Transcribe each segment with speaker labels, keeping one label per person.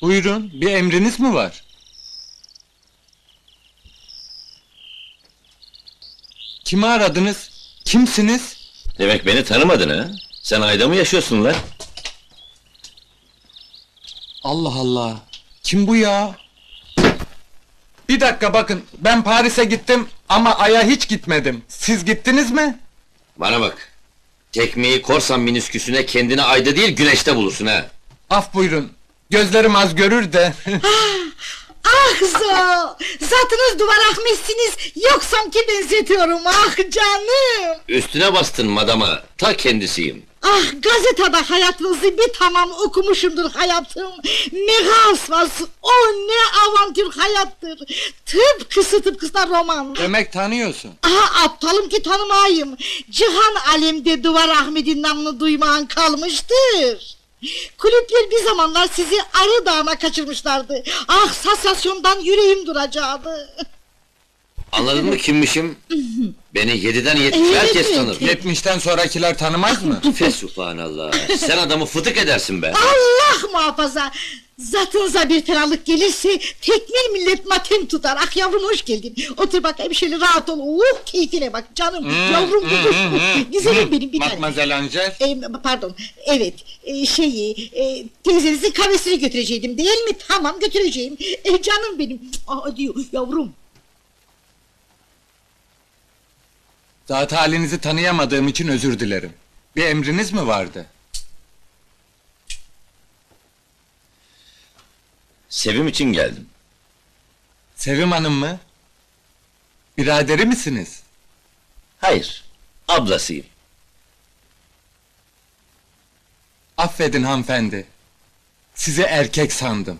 Speaker 1: Buyurun, bir emriniz mi var? Kimi aradınız? Kimsiniz?
Speaker 2: Demek beni tanımadın ha? Sen ayda mı yaşıyorsun lan?
Speaker 1: Allah Allah! Kim bu ya? Bir dakika bakın, ben Paris'e gittim ama Ay'a hiç gitmedim. Siz gittiniz mi?
Speaker 2: Bana bak! Tekmeyi korsan minisküsüne kendini ayda değil güneşte bulursun ha!
Speaker 1: Af buyurun, gözlerim az görür de.
Speaker 3: Ah zo! Zatınız duvar ahmetsiniz, yoksam ki benzetiyorum, ah canım!
Speaker 2: Üstüne bastın madama, ta kendisiyim!
Speaker 3: Ah, gazetede hayatınızı bir tamam okumuşumdur hayatım! Ne hasvası, o ne avantür hayattır! Tıpkısına roman!
Speaker 1: Demek tanıyorsun.
Speaker 3: Aha, aptalım ki tanımayayım! Cihan alemde Duvar Ahmet'in namını duymayan kalmıştır! Kulüpler bir zamanlar sizi Arı Dağı'na kaçırmışlardı! Ah, sansasyondan yüreğim duracaktı!
Speaker 2: Anladın mı kimmişim? Beni 7'den 70 herkes
Speaker 3: Evet.
Speaker 2: tanır!
Speaker 1: 70'ten sonrakiler tanımaz mı?
Speaker 2: Fesubhanallah! Sen adamı fıtık edersin be!
Speaker 3: Allah muhafaza! Zatınıza bir fenalık gelirse tekmil millet matem tutar. Ah yavrum, hoş geldin. Otur bakayım şöyle, rahat ol. Keyfine bak canım. Yavrum güzelim benim bir tane.
Speaker 1: Mademoiselle Angel.
Speaker 3: Pardon, evet, teyzenizin kahvesini götüreceydim değil mi? Tamam, götüreceğim. Canım benim. Aa, diyor yavrum.
Speaker 1: Zat halinizi tanıyamadığım için özür dilerim. Bir emriniz mi vardı?
Speaker 2: Sevim için geldim.
Speaker 1: Sevim Hanım mı? Biraderi misiniz?
Speaker 2: Hayır, ablasıyım.
Speaker 1: Affedin hanımefendi. Sizi erkek sandım.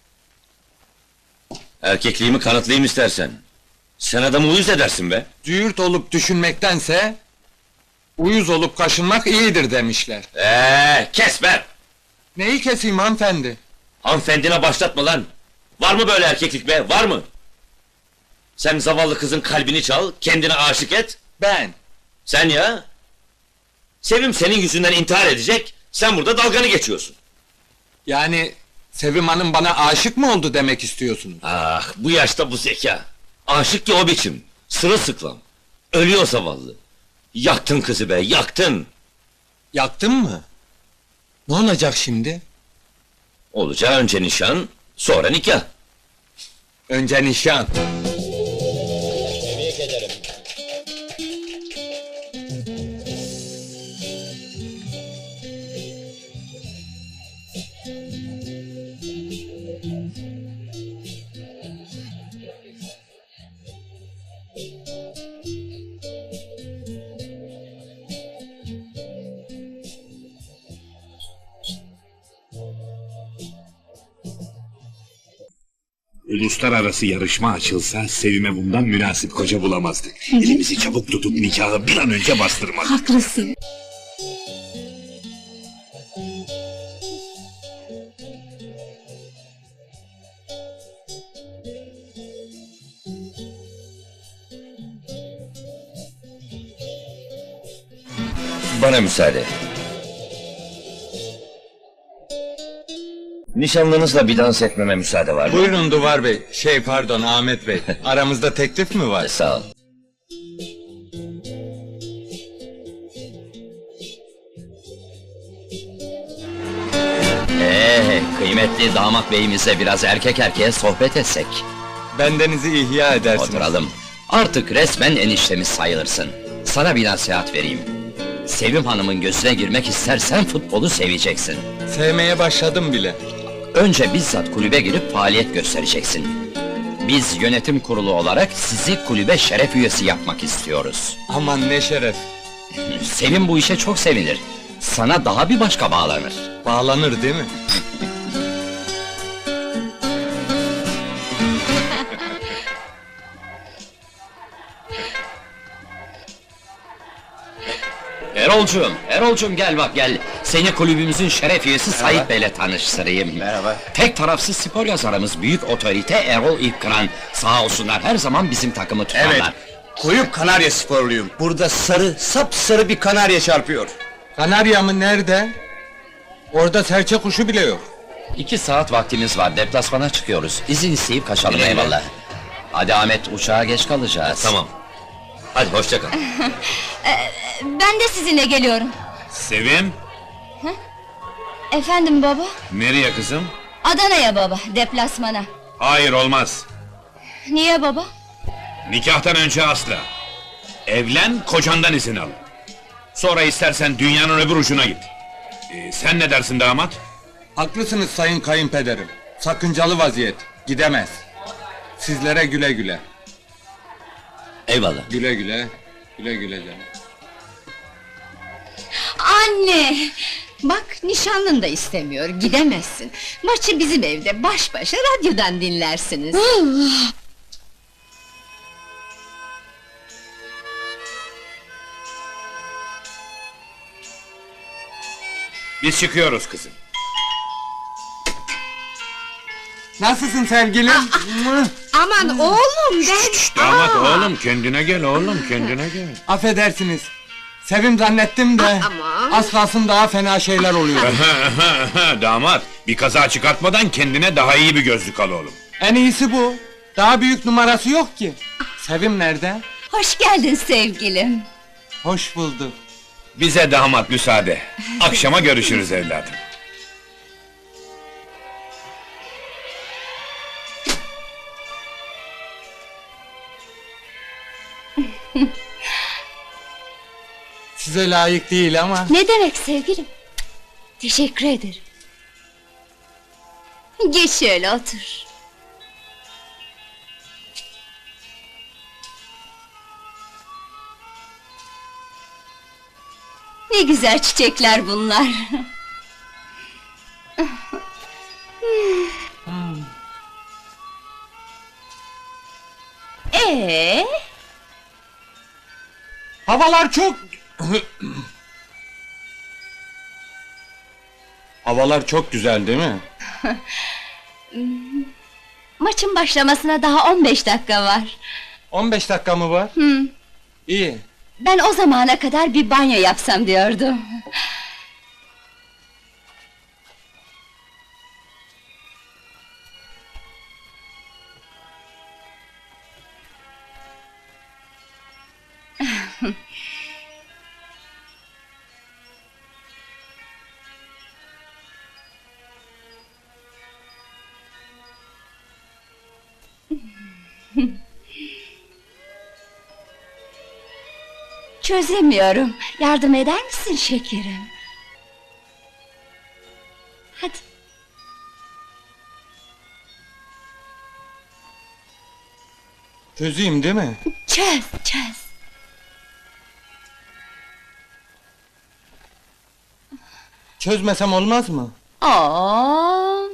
Speaker 2: Erkekliğimi kanıtlayayım istersen. Sen adamı uyuz edersin be!
Speaker 1: Züğürt olup düşünmektense... ...uyuz olup kaşınmak iyidir demişler.
Speaker 2: Kes be!
Speaker 1: Neyi keseyim hanımefendi?
Speaker 2: Hanımefendine başlatma lan! Var mı böyle erkeklik be, var mı? Sen zavallı kızın kalbini çal, kendine aşık et.
Speaker 1: Ben.
Speaker 2: Sen ya! Sevim senin yüzünden intihar edecek, sen burada dalganı geçiyorsun.
Speaker 1: Yani... Sevim Hanım bana aşık mı oldu demek istiyorsunuz?
Speaker 2: Ah, bu yaşta bu zeka! Aşık ki o biçim, sırılsıklam. Ölüyor zavallı. Yaktın kızı be, yaktın!
Speaker 1: Yaktın mı? Ne olacak şimdi?
Speaker 2: Olacağı önce nişan, sonra nikah.
Speaker 1: Önce nişan.
Speaker 2: Tebrik ederim.
Speaker 4: Uluslararası yarışma açılsa Sevim'e bundan münasip koca bulamazdık. Elimizi çabuk tutup nikahı bir an önce bastırmalı.
Speaker 3: Haklısın.
Speaker 2: Bana müsaade. Nişanlınızla bir dans etmeme müsaade var mı?
Speaker 1: Buyurun Duvar Bey, pardon Ahmet Bey. Aramızda teklif mi var?
Speaker 2: Sağ ol. Kıymetli damat beyimizle biraz erkek erkeğe sohbet etsek.
Speaker 1: Bendenizi ihya edersiniz.
Speaker 2: Oturalım. Artık resmen eniştemiz sayılırsın. Sana bir nasihat vereyim. Sevim Hanım'ın gözüne girmek istersen futbolu seveceksin.
Speaker 1: Sevmeye başladım bile.
Speaker 2: Önce bizzat kulübe girip faaliyet göstereceksin. Biz yönetim kurulu olarak sizi kulübe şeref üyesi yapmak istiyoruz.
Speaker 1: Aman ne şeref.
Speaker 2: Sevim bu işe çok sevinir. Sana daha bir başka bağlanır.
Speaker 1: Bağlanır değil mi?
Speaker 2: Erolcuğum gel bak gel. Seni kulübümüzün şeref üyesi Sait Bey'le tanıştırayım.
Speaker 5: Merhaba.
Speaker 2: Tek tarafsız spor yazarımız büyük otorite Erol İlkıran. Sağ olsunlar her zaman bizim takımı tutarlar.
Speaker 5: Evet. Koyup Kanarya sporluyum. Burada sarı, sapsarı bir kanarya çarpıyor.
Speaker 1: Kanarya mı nerede? Orada serçe kuşu bile yok.
Speaker 2: 2 saat vaktimiz var, deplasmana çıkıyoruz. İzin isteyip kaçalım, eyvallah. Hadi Ahmet, uçağa geç kalacağız.
Speaker 5: Tamam. Hadi hoşça kal.
Speaker 6: Ben de sizinle geliyorum.
Speaker 4: Sevim,
Speaker 6: Efendim baba?
Speaker 4: nereye kızım?
Speaker 6: Adana'ya baba, deplasmana.
Speaker 4: Hayır, olmaz.
Speaker 6: Niye baba?
Speaker 4: Nikahtan önce asla. Evlen, kocandan izin al. Sonra istersen dünyanın öbür ucuna git. Sen ne dersin damat?
Speaker 1: Haklısınız sayın kayınpederim. Sakıncalı vaziyet. Gidemez. Sizlere güle güle.
Speaker 5: Eyvallah.
Speaker 1: Güle güle. Güle güle canım.
Speaker 6: Anne! Bak nişanlın da istemiyor, gidemezsin. Maçı bizim evde baş başa radyodan dinlersiniz.
Speaker 4: Biz çıkıyoruz kızım.
Speaker 1: Nasılsın sevgilim? Mıh!
Speaker 3: Aman oğlum ben...
Speaker 4: Damat oğlum, kendine gel oğlum, kendine gel.
Speaker 1: Affedersiniz. Sevim zannettim de
Speaker 3: Aman.
Speaker 1: az kalsın daha fena şeyler oluyor.
Speaker 4: Damat, bir kaza çıkartmadan kendine daha iyi bir gözlük al oğlum.
Speaker 1: En iyisi bu. Daha büyük numarası yok ki. Sevim nerede?
Speaker 6: Hoş geldin sevgilim.
Speaker 1: Hoş bulduk.
Speaker 4: Bize damat müsaade. Akşama görüşürüz evladım.
Speaker 1: Size layık değil ama.
Speaker 6: Ne demek sevgilim? Teşekkür ederim. Geç şöyle otur. Ne güzel çiçekler bunlar.
Speaker 1: Havalar çok... Havalar çok güzel değil mi?
Speaker 6: Maçın başlamasına daha 15 dakika var.
Speaker 1: 15 dakika mı var? İyi.
Speaker 6: Ben o zamana kadar bir banyo yapsam diyordum. Çözemiyorum. Yardım eder misin şekerim? Hadi.
Speaker 1: Çözeyim değil mi?
Speaker 6: Çöz, çöz.
Speaker 1: Çözmesem olmaz mı?
Speaker 6: Oo.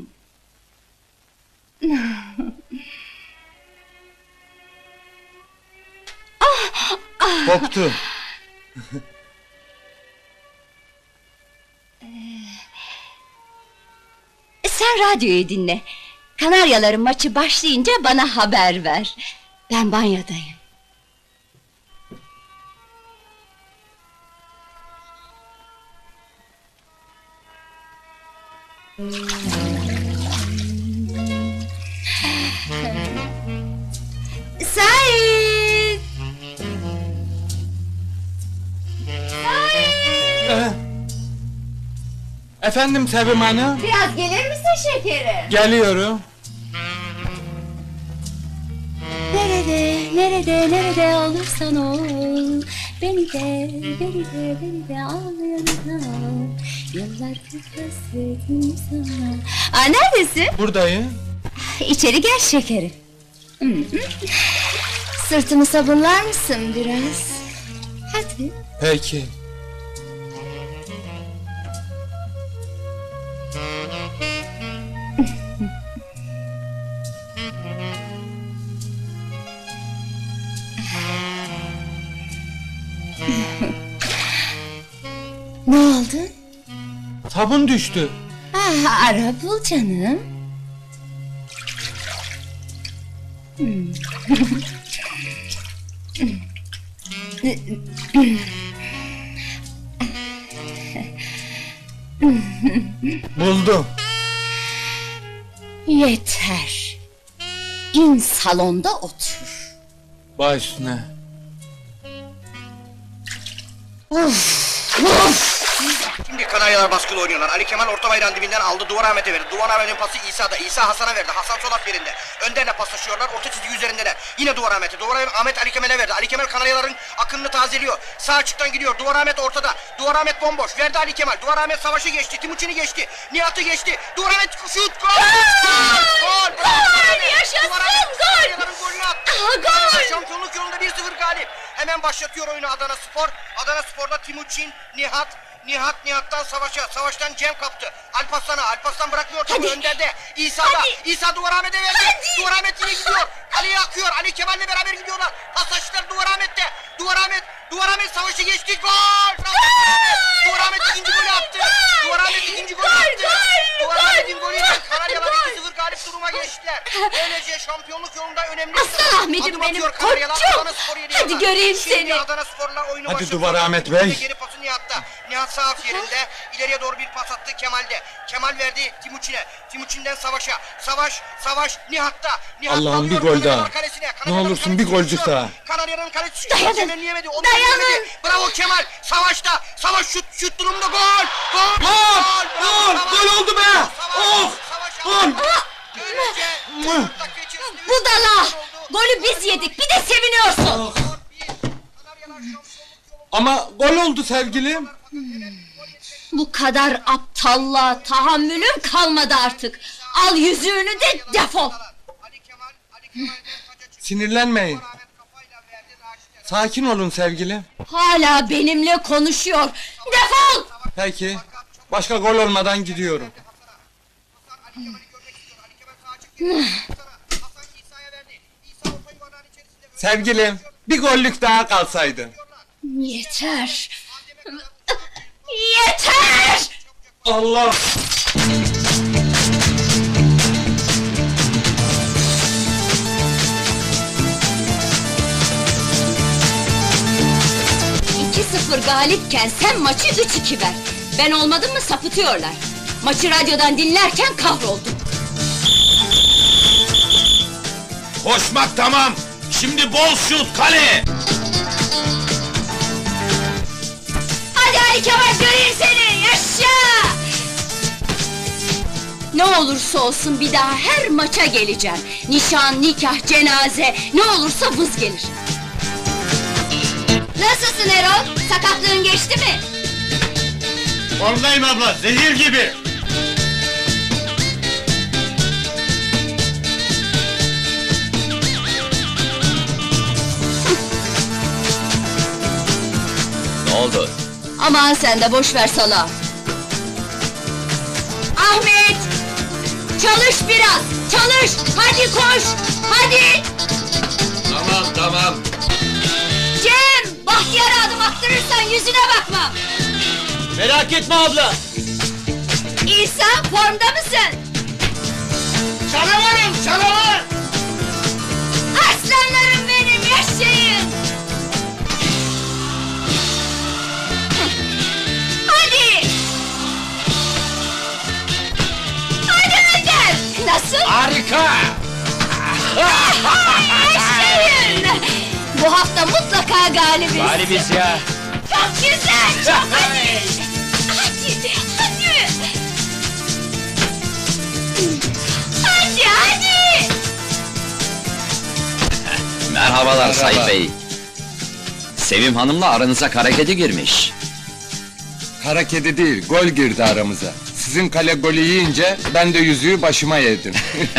Speaker 1: Koptu.
Speaker 6: Sen radyoyu dinle. Kanaryaların maçı başlayınca bana haber ver. Ben banyodayım. Sait!
Speaker 1: Efendim Sevim Hanım?
Speaker 6: Biraz gelir misin şekerim?
Speaker 1: Geliyorum.
Speaker 6: Nerede olursan ol. Beni de al yanına. Yıllardır hasretim sana. Aa, neredesin?
Speaker 1: Buradayım.
Speaker 6: İçeri gel şekerim. Sırtımı sabunlar mısın biraz? Hadi.
Speaker 1: Peki.
Speaker 6: Ne oldu?
Speaker 1: Sabun düştü.
Speaker 6: Ara bul canım.
Speaker 1: Buldum.
Speaker 6: Yeter. İn salonda otur.
Speaker 1: Baş üstüne.
Speaker 5: Şimdi Kanaryalar baskılı oynuyorlar. Ali Kemal orta bayrağın dibinden aldı. Duvar Ahmet'e verdi. Duvar Ahmet'in pası İsa'da. İsa Hasan'a verdi. Hasan sol at yerinde. Önderle paslaşıyorlar. Orta çizgi üzerindeler. Yine Duvar Ahmet'e. Duvar Ahmet Ali Kemal'e verdi. Ali Kemal Kanaryaların akınını tazeliyor. Sağ açıktan gidiyor. Duvar Ahmet ortada. Duvar Ahmet bomboş. Verdi Ali Kemal. Duvar Ahmet savaşı geçti. Timuçin'i geçti. Nihat'ı geçti. Duvar Ahmet şut. Gol! Gol!
Speaker 6: Gol! Yaşasın! Gol!
Speaker 5: Kanaryaların golünü attı.
Speaker 6: Gol!
Speaker 5: Şampiyonluk yolunda 1-0 galip. Hemen başlatıyor oyunu Adana Spor. Adana Spor'da Timuçin, Nihat'tan Savaş'a, Savaş'tan Cem kaptı. Alparslan'a bırakmıyor topu Önder'de. İsa'da, İsa Duvar Ahmet'e verdi. Duvar Ahmet yine gidiyor. Kaleye akıyor. Ali Kemal'le beraber gidiyorlar. Pasajlar Duvar Ahmet'te. Duvar Ahmet Savaş'ı geçti. Gol! Duvar Ahmet ikinci golü attı. Duvar Ahmet ikinci golü attı. Duvar Ahmet'in golüyle Kanaryalar 2-0 galip duruma geçtiler. Böylece şampiyonluk yolunda önemli.
Speaker 6: Aslan Ahmet'im
Speaker 5: Adım
Speaker 6: benim
Speaker 5: atıyor Kanaryalar,
Speaker 6: koçum.
Speaker 5: Adana Spor'u yeniyorlar.
Speaker 6: Hadi göreyim
Speaker 5: Şimdi
Speaker 6: seni.
Speaker 5: Adana Spor'la oyunu
Speaker 1: Hadi
Speaker 5: başlatıyor.
Speaker 1: Duvar Ahmet Bey.
Speaker 5: Geri pası Nihat'ta. Nihat sağ af yerinde. İleriye doğru bir pas attı Kemal'de. Kemal verdi Timuçin'e. Timuçin'den Savaş'a. Savaş Nihat'ta. Nihat
Speaker 1: Allah'ım bir
Speaker 5: alıyor
Speaker 1: gol
Speaker 5: Kanaryalar
Speaker 1: daha.
Speaker 5: kalesine.
Speaker 1: Ne
Speaker 5: Kanaryaların
Speaker 1: olursun bir
Speaker 5: kalesi
Speaker 1: golcük
Speaker 5: düşüyor.
Speaker 1: daha.
Speaker 5: Kanaryaların kalesi
Speaker 6: Dayanın.
Speaker 5: temelleyemedi. Onu
Speaker 6: Dayanın.
Speaker 5: temelleyemedi. Bravo Kemal. Savaş şut durumda gol. Gol.
Speaker 1: Gol! Gol oldu be! Oh! Gol!
Speaker 5: Böylece
Speaker 6: Budala! Golü biz yedik, bir de seviniyorsun!
Speaker 1: Ama gol oldu sevgilim.
Speaker 6: Bu kadar aptallığa tahammülüm kalmadı artık! Al yüzüğünü de defol!
Speaker 1: Sinirlenmeyin. Sakin olun sevgilim.
Speaker 6: Hala benimle konuşuyor! Defol!
Speaker 1: Peki. Başka gol olmadan gidiyorum. Sevgilim, bir gollük daha kalsaydı.
Speaker 6: Yeter! Yeter!
Speaker 1: Allah!
Speaker 6: ...2-0 galipken sen maçı 3-2 ver. Ben olmadım mı sapıtıyorlar. Maçı radyodan dinlerken kahroldum.
Speaker 4: Koşmak tamam. Şimdi bol şut kale.
Speaker 6: Hadi Ali Kemal göreyim seni, yaşa! Ne olursa olsun bir daha her maça geleceğim. Nişan, nikah, cenaze, ne olursa vız gelir. Nasılsın Erol? Sakatlığın geçti mi?
Speaker 5: Formdayım abla, zehir gibi.
Speaker 2: Ne oldu?
Speaker 6: Aman sen de boş ver sala. Ahmet! Çalış biraz, çalış! Hadi koş, hadi!
Speaker 4: Tamam.
Speaker 6: Cem! Bahtiyar'a adım attırırsan yüzüne bakmam!
Speaker 5: Merak etme abla.
Speaker 6: İsa, formda mısın?
Speaker 5: Canavar!
Speaker 6: Aslanlarım benim, yaşayın! Hadi! Hadi Önder! Nasıl?
Speaker 4: Harika.
Speaker 6: Yaşayın! Bu hafta mutlaka galibiz!
Speaker 2: Galibiz ya.
Speaker 6: Çok güzel, çok hadi! Hadi! Hadi!
Speaker 2: Merhabalar Sayın Bey. Sevim Hanım'la aranıza kara kedi girmiş.
Speaker 1: Kara kedi değil, gol girdi aramıza. Sizin kale golü yiyince ben de yüzüğü başıma yedim.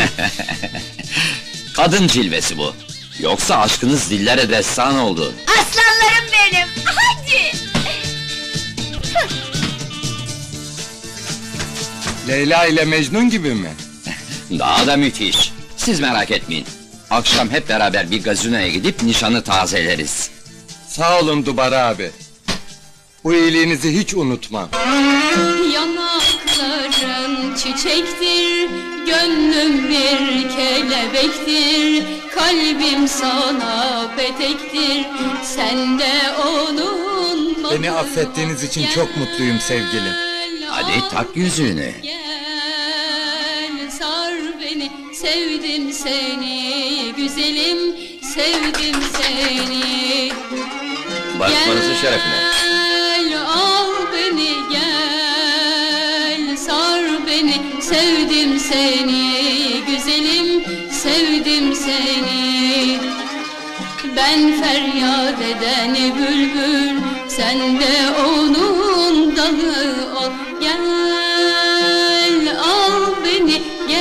Speaker 2: Kadın cilvesi bu. Yoksa aşkınız dillere destan oldu.
Speaker 6: Aslanlarım benim! Hadi!
Speaker 1: Leyla ile Mecnun gibi mi?
Speaker 2: Daha da müthiş. Siz merak etmeyin. Akşam hep beraber bir gazinoya gidip nişanı tazeleriz.
Speaker 1: Sağ olun Dubar abi. Bu iyiliğinizi hiç unutmam.
Speaker 7: Yanakların çiçektir, gönlüm bir kelebektir, kalbim sana petektir, sen de onun
Speaker 1: Beni affettiğiniz için çok mutluyum sevgilim.
Speaker 2: Hadi tak yüzüğünü.
Speaker 7: Gel, sar beni. beni, sevdim seni, güzelim, sevdim seni.
Speaker 2: Barışmanızın şerefine.
Speaker 7: Gel, al beni, gel, sar beni, sevdim seni, güzelim, sevdim seni. Ben feryat eden bülbül, sen de onun dalı ol. Gel, al beni,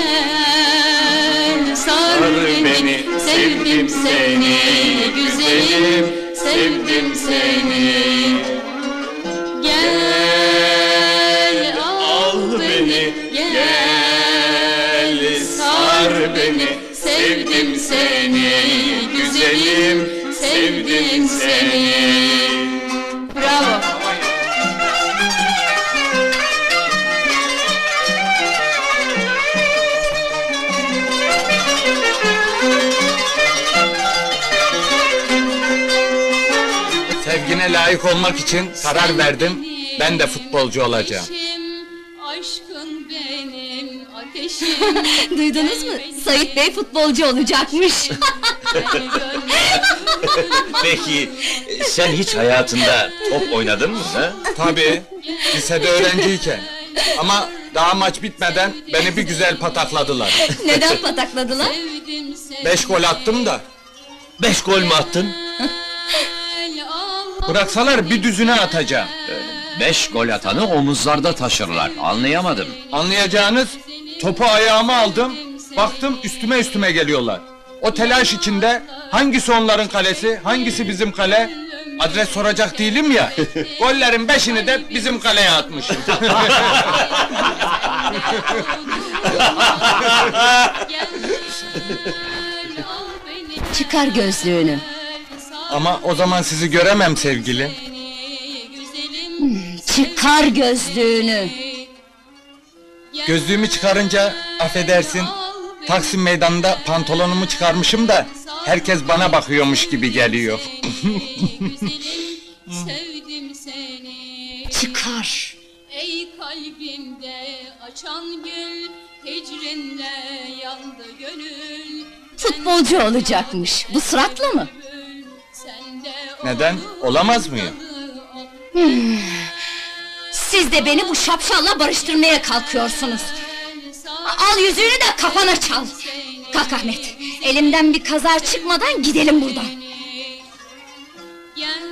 Speaker 7: gel, sar beni, sevdim seni, güzelim, sevdim seni. Gel, al beni, gel, sar beni, sevdim seni, güzelim, sevdim seni. Bravo.
Speaker 1: Sevgine layık olmak için karar verdim. Ben de futbolcu olacağım.
Speaker 7: Aşkın benim ateşim.
Speaker 6: Duydunuz mu? Sait Bey futbolcu olacakmış.
Speaker 2: Peki, sen hiç hayatında top oynadın mı ha?
Speaker 1: Tabii, lisede öğrenciyken. Ama daha maç bitmeden beni bir güzel patakladılar.
Speaker 6: Neden patakladılar?
Speaker 1: 5 gol attım da.
Speaker 2: 5 gol mü attın?
Speaker 1: Bıraksalar bir düzüne atacağım.
Speaker 2: 5 gol atanı omuzlarda taşırlar, anlayamadım.
Speaker 1: Anlayacağınız, topu ayağıma aldım, baktım üstüme geliyorlar. O telaş içinde hangisi onların kalesi, hangisi bizim kale? Adres soracak değilim ya. Gollerin 5'ini de bizim kaleye atmışım.
Speaker 6: Çıkar gözlüğünü.
Speaker 1: Ama o zaman sizi göremem sevgilim.
Speaker 6: Çıkar gözlüğünü.
Speaker 1: Gözlüğümü çıkarınca affedersin, Taksim meydanında pantolonumu çıkarmışım da herkes bana bakıyormuş gibi geliyor.
Speaker 7: Sevdim seni.
Speaker 6: Çıkar.
Speaker 7: Ey kalbimde açan gül, hicrinle yandı gönül.
Speaker 6: Futbolcu olacakmış. Bu suratla mı?
Speaker 7: Sen de
Speaker 1: Neden? Olamaz mıyım?
Speaker 6: Siz de beni bu şapşalla barıştırmaya kalkıyorsunuz. Al yüzüğünü de kafana çal. Kalk Ahmet. Elimden bir kazar çıkmadan gidelim buradan.
Speaker 7: Gel,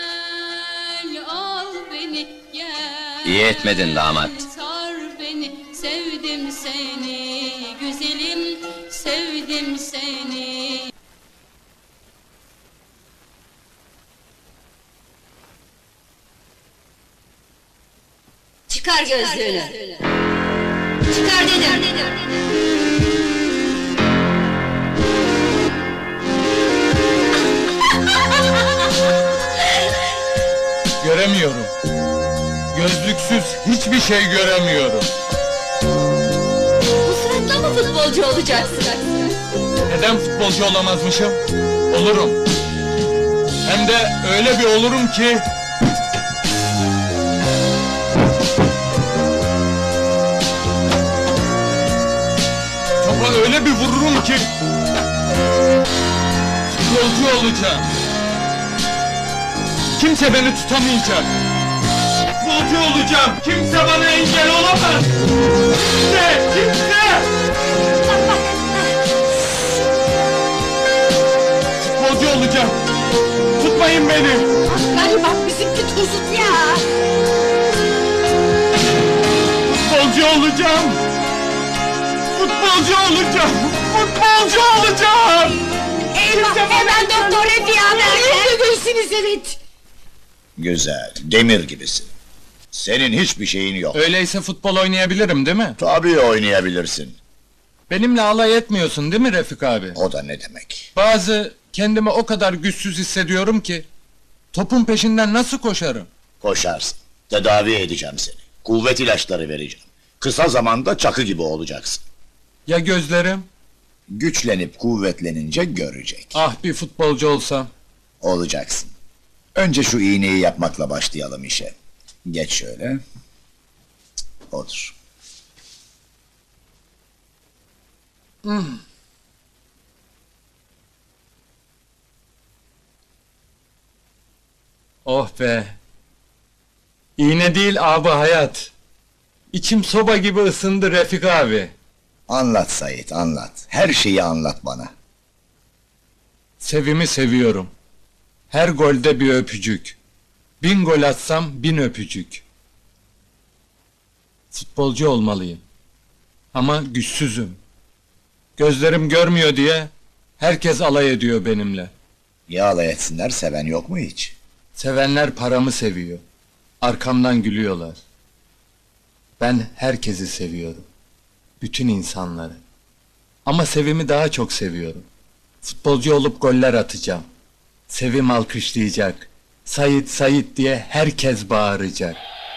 Speaker 7: al beni, gel.
Speaker 2: İyi etmedin damat.
Speaker 7: Sar beni, sevdim seni, güzelim, sevdim seni.
Speaker 6: Çıkar gözlüğünü. Çıkar dedim.
Speaker 1: Göremiyorum. Gözlüksüz hiçbir şey göremiyorum.
Speaker 6: Bu suratla mı futbolcu olacaksın?
Speaker 1: Neden futbolcu olamazmışım? Olurum. Hem de öyle bir olurum ki... Topa öyle bir vururum ki... Futbolcu olacağım. Kimse beni tutamayacak. Futbolcu olacağım. Kimse bana engel olamaz. Kimse! Futbolcu olacağım. Tutmayın beni.
Speaker 3: Galiba bizimki tuzut ya.
Speaker 1: Futbolcu olacağım. Futbolcu olacağım. Futbolcu olacağım.
Speaker 3: Eyvah, hemen doktor Refiye abi. Öldürürsünüz evet.
Speaker 8: Güzel, demir gibisin. Senin hiçbir şeyin yok.
Speaker 1: Öyleyse futbol oynayabilirim değil mi?
Speaker 8: Tabii oynayabilirsin.
Speaker 1: Benimle alay etmiyorsun değil mi Refik abi?
Speaker 8: O da ne demek?
Speaker 1: Kendimi o kadar güçsüz hissediyorum ki... Topun peşinden nasıl koşarım?
Speaker 8: Koşarsın. Tedavi edeceğim seni. Kuvvet ilaçları vereceğim. Kısa zamanda çakı gibi olacaksın.
Speaker 1: Ya gözlerim?
Speaker 8: Güçlenip kuvvetlenince görecek.
Speaker 1: Ah bir futbolcu olsam.
Speaker 8: Olacaksın. Önce şu iğneyi yapmakla başlayalım işe. Geç şöyle. Otur.
Speaker 1: Oh be! İğne değil abi hayat. İçim soba gibi ısındı Refik abi.
Speaker 8: Anlat Sait, anlat. Her şeyi anlat bana.
Speaker 1: Sevimi seviyorum. Her golde bir öpücük. 1000 gol atsam 1000 öpücük. Futbolcu olmalıyım. Ama güçsüzüm. Gözlerim görmüyor diye herkes alay ediyor benimle.
Speaker 8: Ya alay etsinler, seven yok mu hiç?
Speaker 1: Sevenler paramı seviyor. Arkamdan gülüyorlar. Ben herkesi seviyorum. Bütün insanları. Ama Sevim'i daha çok seviyorum. Futbolcu olup goller atacağım. Sevim alkışlayacak. Sait Sait diye herkes bağıracak.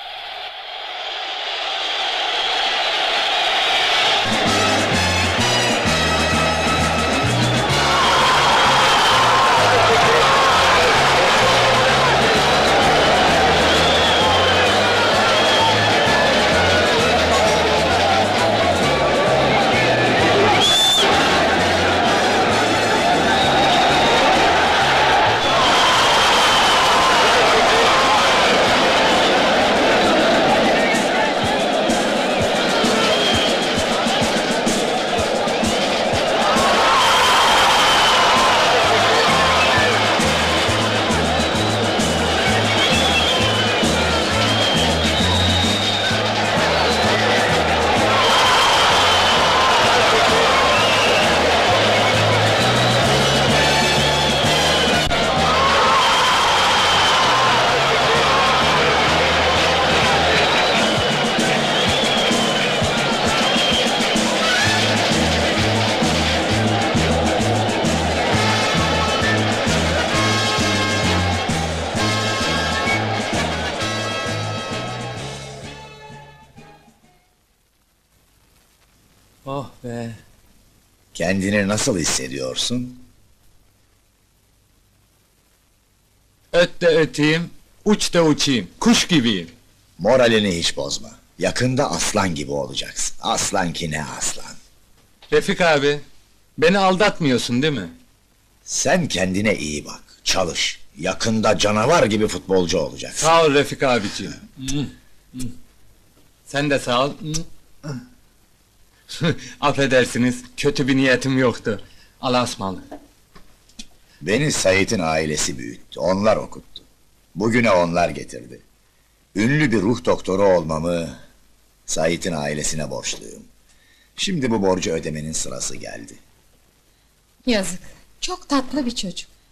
Speaker 1: Oh be!
Speaker 8: Kendini nasıl hissediyorsun?
Speaker 1: Öt de öteyim, uç da uçayım. Kuş gibiyim.
Speaker 8: Moralini hiç bozma. Yakında aslan gibi olacaksın. Aslan ki ne aslan.
Speaker 1: Refik abi, beni aldatmıyorsun değil mi?
Speaker 8: Sen kendine iyi bak, çalış. Yakında canavar gibi futbolcu olacaksın.
Speaker 1: Sağ ol Refik abiciğim. Sen de sağ ol. Affedersiniz, kötü bir niyetim yoktu. Allah'a ısmarladık.
Speaker 8: Beni Sait'in ailesi büyüttü, onlar okuttu. Bugüne onlar getirdi. Ünlü bir ruh doktoru olmamı Sait'in ailesine borçluyum. Şimdi bu borcu ödemenin sırası geldi.
Speaker 9: Yazık. Çok tatlı bir çocuk.